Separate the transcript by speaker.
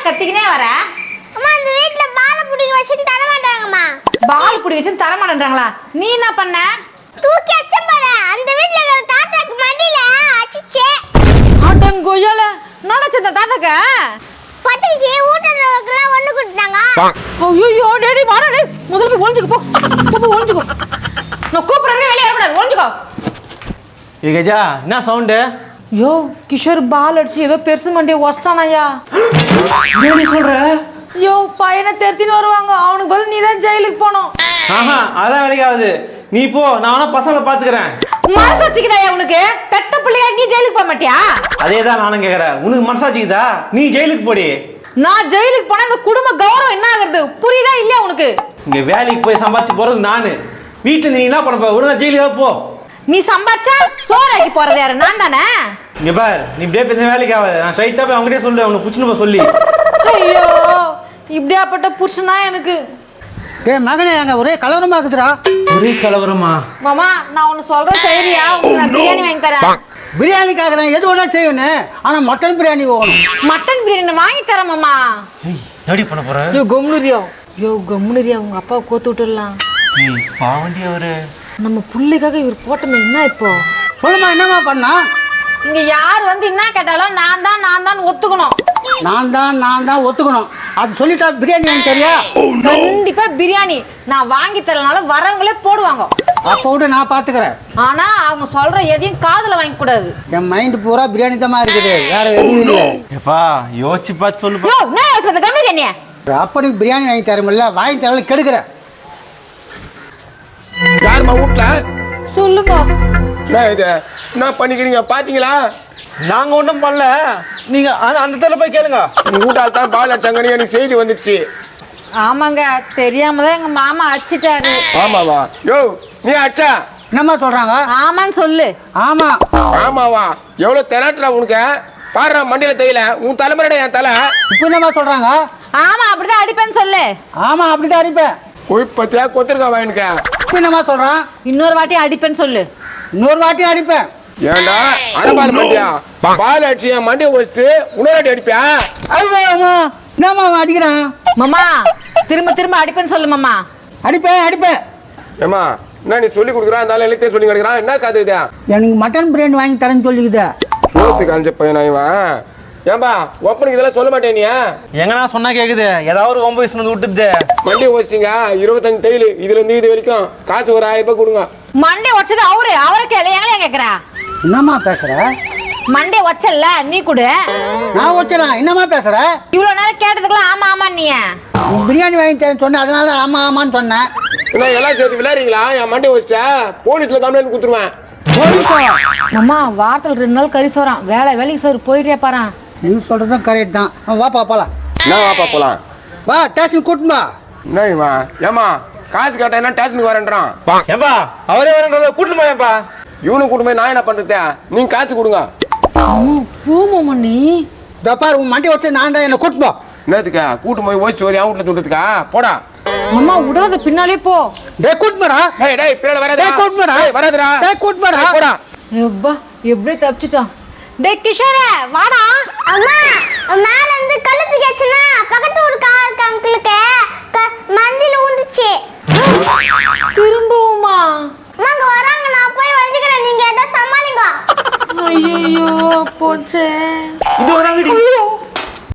Speaker 1: கத்திக்கினே வர?
Speaker 2: அம்மா இந்த வீட்ல பால் புடிங்க வச்சிட்டு தர மாட்டாங்கம்மா.
Speaker 1: பால் புடி வச்சு தர மாட்டேன்றாங்களா? நீ என்ன பண்ண?
Speaker 2: தூக்கி அச்சம் பாரு. அந்த வீட்ல இருக்கிற தாத்தாக்கு மண்டியில அடிச்சே.
Speaker 1: அடங்கோயல நடச்ச இந்த தாத்தாக்கு
Speaker 2: பத்திச்சு ஊட்டறவங்கலாம் ஒண்ணு குடுத்தாங்க.
Speaker 1: ஐயோ டேடி வாடா டேய். முதல்ல போய் ஒளிஞ்சுக்கு போ. போ ஒளிஞ்சுக்கோ. நான் கூப்பிடுறேன் வெளிய வரக்கூடாது. ஒளிஞ்சுக்கோ.
Speaker 3: ஏ கஜா என்ன சவுண்ட்?
Speaker 1: யோ கிஷோர் பால் அடிச்சு ஏதோ பெருசு மண்டியை ஒஸ்டானாயா.
Speaker 3: என்ன சொல்ற?
Speaker 1: யோ பையனை தெரிஞ்சுன்னு வருவாங்க. அவனுக்கு பதில் நீ தான் ஜெயிலுக்கு போகணும்.
Speaker 3: ஆஹா அதான் வேலைக்காவது. நீ போ, நான் வேணா பசங்களை பாத்துக்கிறேன்.
Speaker 1: மனசு வச்சுக்கிறாயா உனக்கு? பெத்த பிள்ளையா நீ ஜெயிலுக்கு போக மாட்டியா?
Speaker 3: அதேதான் நானும் கேக்குறேன். உனக்கு மனசாச்சுக்குதா? நீ ஜெயிலுக்கு போடி.
Speaker 1: நான் ஜெயிலுக்கு போனா இந்த குடும்ப கௌரவம் என்ன ஆகுறது? புரியுதா இல்லையா உனக்கு?
Speaker 3: இங்க வேலைக்கு போய் சம்பாதிச்சு போறது நானு. வீட்டுல நீ என்ன பண்ண போற? ஒழுங்கா ஜெயிலுக்கு போ.
Speaker 1: நீ சம்பாதிச்சா சோறாக்கி போறது யாரு? நான் தானே.
Speaker 3: இங்க பாரு, நீ இப்படியே பேச வேலைக்கு ஆகாது. நான் ஸ்ட்ரைட்டா போய் அவங்ககிட்டயே சொல்லு, அவனை புடிச்சுன்னு போய் சொல்லி.
Speaker 1: ஐயோ இப்படியாப்பட்ட புருஷனா எனக்கு.
Speaker 4: டேய் மகனே, அங்க ஒரே கலவரமா இருக்குதுடா.
Speaker 3: ஒரே கலவரமா?
Speaker 1: மாமா நான் ஒன்னு சொல்றேன் சரியா? உங்களுக்கு நான் பிரியாணி வாங்கி தரேன்.
Speaker 4: பிரியாணிக்காக நான் எது வேணா செய்வேன்னு, ஆனா மட்டன் பிரியாணி வேணும்.
Speaker 1: மட்டன் பிரியாணி வாங்கி தரேன் மாமா.
Speaker 3: எப்படி பண்ண போற?
Speaker 1: யோ கம்முனுரியா. யோ கம்முனுரியா. உங்க அப்பாவை கோத்து விட்டுடலாம்.
Speaker 3: பாவண்டி அவரு.
Speaker 1: நம்ம புள்ளைக்காக இவர் போட்டமே என்ன இப்போ?
Speaker 4: சொல்லுமா, என்னமா பண்ணா?
Speaker 1: இங்க யார் வந்து என்ன கேட்டாலும் நான் தான் ஒத்துக்கணும்.
Speaker 4: நான் தான் ஒத்துக்கணும். அது சொல்லிட்டா பிரியாணி வாங்கி தெரியா?
Speaker 1: கண்டிப்பா பிரியாணி நான் வாங்கி தரனாலும் வரவங்களே போடுவாங்க.
Speaker 4: அப்ப விட நான் பாத்துக்கிறேன்.
Speaker 1: ஆனா அவங்க சொல்ற எதையும் காதுல வாங்க கூடாது.
Speaker 4: என் மைண்ட் பூரா பிரியாணி தான் இருக்குது, வேற எதுவும் இல்லை.
Speaker 3: எப்பா யோசிச்சு பார்த்து சொல்லுப்பா.
Speaker 1: யோ என்ன யோசிச்சது? கம்மி தண்ணிய
Speaker 4: அப்படி பிரியாணி வாங்கி தரமில்ல, வாங்கி தரல கெடுக்கிற.
Speaker 5: யாருமா வீட்ல?
Speaker 1: சொல்லுங்க.
Speaker 5: என்ன இது என்ன பண்ணிக்கிறீங்க பாத்தீங்களா?
Speaker 3: நாங்க ஒண்ணும் பண்ணல. நீங்க அந்த தடவை போய் கேளுங்க.
Speaker 5: உங்க வீட்டால் தான் பால் அடிச்சாங்கன்னு எனக்கு செய்தி வந்துச்சு.
Speaker 1: ஆமாங்க தெரியாம தான் எங்க மாமா அடிச்சிட்டாரு.
Speaker 5: ஆமாவா? யோ நீ அடிச்சா?
Speaker 4: என்னம்மா சொல்றாங்க?
Speaker 1: ஆமான்னு சொல்லு.
Speaker 4: ஆமா.
Speaker 5: ஆமாவா? எவ்வளவு தெலாட்டுறா உனக்கு? பாடுறா மண்டியில தெரியல. உன் தலைமுறைடா என் தலை.
Speaker 4: இப்ப என்னம்மா சொல்றாங்க?
Speaker 1: ஆமா அப்படிதான் அடிப்பேன்னு சொல்லு.
Speaker 4: ஆமா அப்படிதான் அடிப்பேன்.
Speaker 5: போய் பத்தியா கொத்திருக்கா வாங்கிக்க.
Speaker 4: இப்ப என்னம்மா சொல்றான்?
Speaker 1: இன்னொரு வாட்டி அடிப்பேன்னு சொல்லு.
Speaker 4: இன்னொரு வாட்டி அடிப்பேன்.
Speaker 5: ஏண்டா அடபால் மண்டியா? பால் அடிச்சு என் மண்டியை வச்சுட்டு இன்னொரு அடி அடிப்பியா?
Speaker 4: என்னம்மா அடிக்கிறான்?
Speaker 1: மாமா திரும்ப அடிப்பேன்னு சொல்லு மாமா.
Speaker 4: அடிப்பேன்.
Speaker 5: ஏமா என்ன நீ சொல்லி கொடுக்குறான்? அந்த எல்லாத்தையும் சொல்லி கொடுக்குறான். என்ன கதை இதா?
Speaker 4: எனக்கு மட்டன் பிரியாணி வாங்கி தரேன்னு சொல்லிக்குது.
Speaker 5: சோத்து காஞ்ச பையனா இவன்? ஏன்பா ஒப்பனுக்கு இதெல்லாம் சொல்ல மாட்டேன் நீ?
Speaker 3: எங்கன்னா சொன்னா கேக்குது. ஏதாவது ஒரு 9 வயசுல விட்டுது.
Speaker 5: மண்டியை வச்சிங்க 25 தையல். இதுல இருந்து இது வரைக்கும் காசு ஒரு 1000 ரூபாய் கொடுங்க.
Speaker 1: மண்டே வச்சது அவரை கேளு. எங்களையா கேக்குறா?
Speaker 4: என்னம்மா பேசுற?
Speaker 1: மண்டே வச்சல்ல நீ கொடு.
Speaker 4: நான் வச்சலாம். என்னம்மா பேசுற?
Speaker 1: இவ்வளவு நேரம் கேட்டதுக்குலாம் ஆமா ஆமா நீ
Speaker 4: பிரியாணி வாங்கி தரேன்னு சொன்ன, அதனால ஆமான்னு சொன்னேன்.
Speaker 5: என்ன எல்லாம் சேர்த்து விளையாடுறீங்களா? என் மண்டியை வச்சுட்டா போலீஸ்ல கம்ப்ளைண்ட் கொடுத்துருவேன்.
Speaker 1: மாமா வாரத்துல 2 நாள் கறி சோறான். வேலைக்கு சோறு போயிட்டே பாரு.
Speaker 4: நீ சொல்றதும் கரெக்ட் தான். வாப்பா போலாம்.
Speaker 5: என்ன வாப்பா போலாம்?
Speaker 4: வா ஸ்டேஷன் கூட்டுமா.
Speaker 5: என்ன இவன்? ஏமா காசு கேட்டா என்ன ஸ்டேஷனுக்கு வரேன்றான்?
Speaker 3: ஏப்பா அவரே வரன்றத கூட்டிட்டு போயப்பா.
Speaker 5: இவனு கூட்டு போய் நான் என்ன பண்றது? நீங்க காசு கொடுங்க.
Speaker 1: பூமோ நீ
Speaker 4: தப்பார் உன் மண்டி வச்சு நான் தான் என்ன கூட்டுப்போ.
Speaker 5: என்னத்துக்கா கூட்டு போய் ஓய்ச்சி வரி வீட்டுல சொல்றதுக்கா? போடா.
Speaker 1: மாமா விடாத பின்னாலே போ.
Speaker 4: டேய் கூட்டுமாடா.
Speaker 5: டேய் பின்னால வராதடா.
Speaker 4: டேய் கூட்டுமாடா.
Speaker 5: வராதடா.
Speaker 4: டேய் கூட்டுமாடா.
Speaker 5: போடா.
Speaker 1: எப்பா எப்படியே தப்பிச்சிட்டான். டேய் கிஷோரே வாடா.
Speaker 2: அம்மா மேல இருந்து கழுத்து கேச்சுனா பக்கத்து ஊருக்கு அங்கிளுக்கு மண்டியில ஊந்துச்சு.
Speaker 1: திரும்பவுமா?
Speaker 2: அம்மாங்க வராங்க, நான் போய் வஞ்சிக்கிறேன். நீங்க ஏதோ சமாளிங்க.
Speaker 1: ஐயோ போச்சே.
Speaker 3: இது வராங்கடி.